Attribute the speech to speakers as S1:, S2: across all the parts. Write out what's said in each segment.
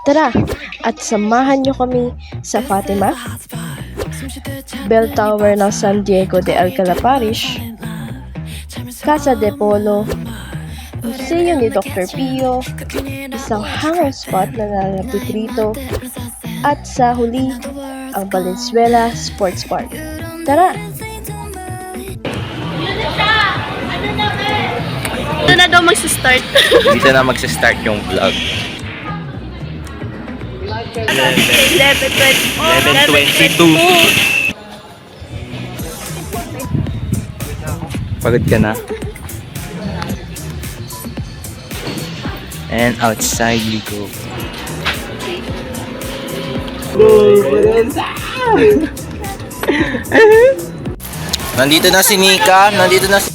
S1: Tara at samahan niyo kami sa Fatima, Bell Tower ng San Diego de Alcala Parish, Casa de Polo, Museo ni Dr. Pio, isang hangout spot na nalalapit rito, at sa huli, ang Valenzuela Sports Park. Tara! Ito na daw magsistart.
S2: Dito na magsa-start yung vlog. 11:22. Pagod ka na? And outside we go. Nandito na si Nika. Nandito na si...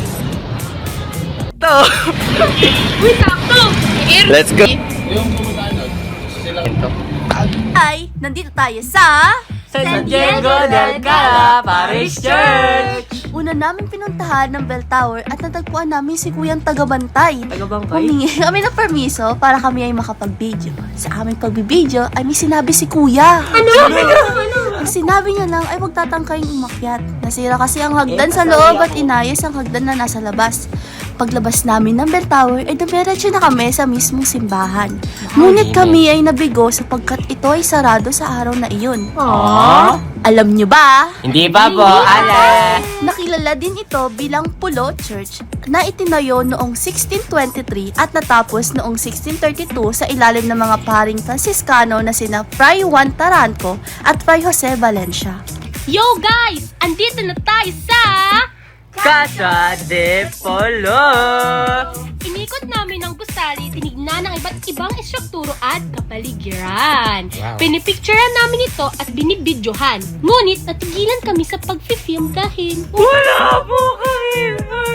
S2: Let's go!
S3: Ay, nandito tayo sa
S4: San Diego del Alcala Parish Church!
S3: una namin pinuntahan ng Bell Tower at natagpuan namin si Kuyang Tagabantay.
S4: Tagabangkay?
S3: Humingi kami ng permiso para kami ay makapag-video. Sa aming pagbibideo ay may sinabi si Kuya. Ano? Ang sinabi niya lang ay huwag tatangkaying umakyat. Nasira kasi ang hagdan sa loob at inayos ang hagdan na nasa labas. Paglabas namin ng Bell Tower ay dumiretso na kami sa mismong simbahan. Ngunit kami ay nabigo sapagkat ito ay sarado sa araw na iyon.
S4: Aww.
S3: Alam niyo ba?
S4: Hindi pa po, ala!
S3: Nakilala din ito bilang Pulo Church na itinayo noong 1623 at natapos noong 1632 sa ilalim ng mga paring Franciscano na sina Fray Juan Taranco at Fray Jose Valencia.
S5: Yo guys! Andito na tayo sa...
S4: Casa de Polo!
S5: Inikot namin ang gusali, tinignan ang iba't ibang estrukturo at kapaligiran. Pinipicturean namin ito at binibidyohan. Ngunit natigilan kami sa pag-film dahil...
S4: Wala po kami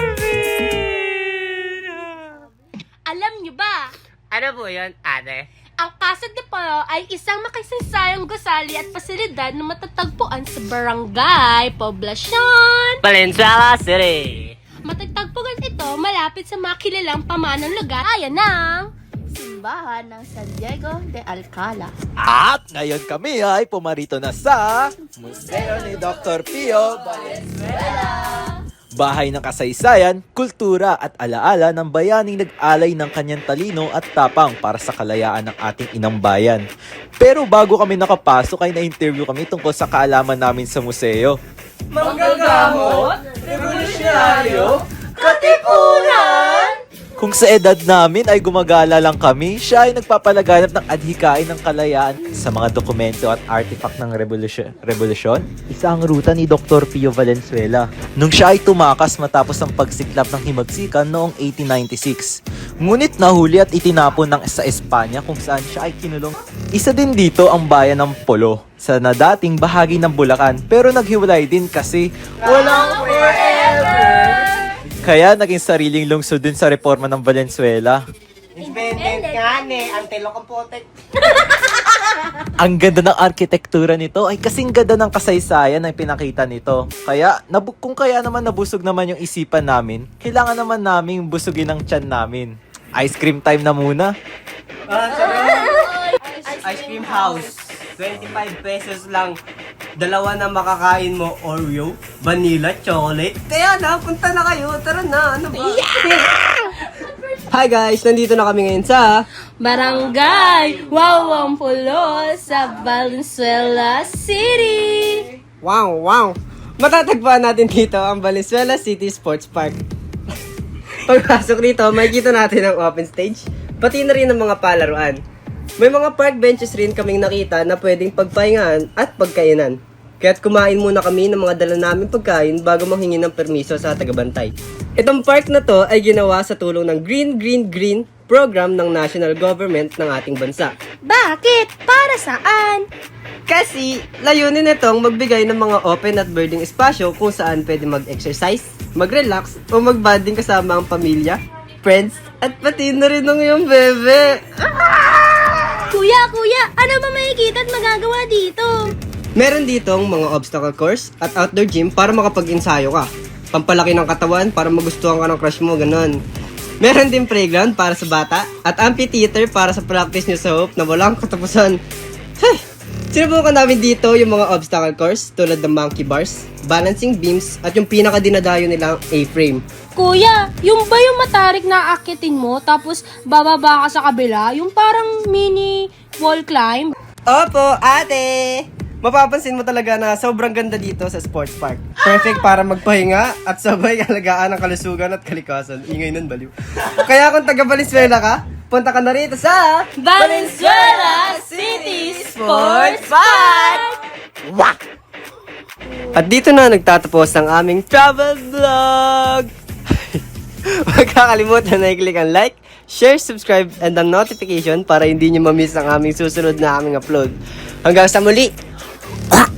S4: permit!
S5: Alam nyo ba?
S4: Ano po yun, ate?
S5: Ang Casa de Polo ay isang makasaysayang gusali at pasilidad na matatagpuan sa Barangay Poblacion,
S4: Valenzuela City!
S5: matatagpuan ito malapit sa mga kilalang pamanang lugar gaya ng...
S3: Simbahan ng San Diego de Alcala.
S6: At ngayon kami ay pumarito na sa Museo ni Dr. Pio Valenzuela. Bahay ng kasaysayan, kultura at alaala ng bayaning nag-alay ng kanyang talino at tapang para sa kalayaan ng ating inang bayan. Pero bago kami nakapasok ay na-interview kami tungkol sa kaalaman namin sa museo.
S4: Manggagamot? Revolusyonaryo? Katipunan!
S6: Kung sa edad namin ay gumagala lang kami, siya ay nagpapalaganap ng adhikain ng kalayaan sa mga dokumento at artifact ng revolusyon. Isa ang ruta ni Dr. Pio Valenzuela nung siya ay tumakas matapos ang pagsiklap ng himagsikan noong 1896. Ngunit nahuli at itinapon sa Espanya kung saan siya ay kinulong. Isa din dito ang bayan ng Polo sa na dating bahagi ng Bulacan pero naghiwalay din kasi walang forever! Kaya naging sariling lungsod din sa reforma ng Valenzuela.
S4: Independent nga ang telekompotek.
S6: Ang ganda ng arkitektura nito ay kasing ganda ng kasaysayan na pinakita nito. Kaya, kung kaya naman nabusog naman yung isipan namin, kailangan naman namin busugin ang tiyan namin. Ice cream time na muna.
S4: Ice cream house. 25 pesos lang. Dalawa na makakain mo, Oreo, vanilla, chocolate. Kaya na, punta na kayo. Tara na, ano ba? Hi guys, nandito na kami ngayon sa
S5: Barangay Wawang Pulo sa Valenzuela City.
S4: Wow! Matatagpuan natin dito ang Valenzuela City Sports Park. Pagpasok dito, makikita natin ang open stage, pati na rin ang mga palaruan. May mga park benches rin kaming nakita na pwedeng pagpahingaan at pagkainan. Kaya't kumain muna kami ng mga dala namin pagkain bago manghingi ng permiso sa tagabantay. Itong park na to ay ginawa sa tulong ng Green program ng national government ng ating bansa.
S5: Bakit? Para saan?
S4: Kasi layunin nitong magbigay ng mga open at birding espasyo kung saan pwede mag-exercise, mag-relax o mag-bonding kasama ang pamilya, friends, at pati na rin ng iyong bebe.
S5: Kuya, ano ba makikita at magagawa dito?
S4: Meron ditong mga obstacle course at outdoor gym para makapag-ensayo ka. Pampalaki ng katawan para magustuhan ka ng crush mo, ganun. Meron din playground para sa bata at amphitheater para sa practice nyo sa hope na walang katapusan. Hey! Sinubukan namin dito yung mga obstacle course tulad ng monkey bars, balancing beams at yung pinaka-dinadayo nilang A-frame.
S5: Kuya, yung ba yung matarik na akitin mo tapos bababa ka sa kabila? Yung parang mini wall climb?
S4: Opo, ate! Mapapansin mo talaga na sobrang ganda dito sa sports park. Perfect para magpahinga at sabay alagaan ng kalusugan at kalikasan. Ingay nun, baliw. Kaya kung taga Valenzuela ka, punta ka na rito sa
S3: Valenzuela City Sports Park!
S4: At dito na nagtatapos ang aming travel vlog! Huwag kakalimutan na i-click ang like, share, subscribe, and ang notification para hindi nyo ma-miss ang aming susunod na aming upload. Hanggang sa muli!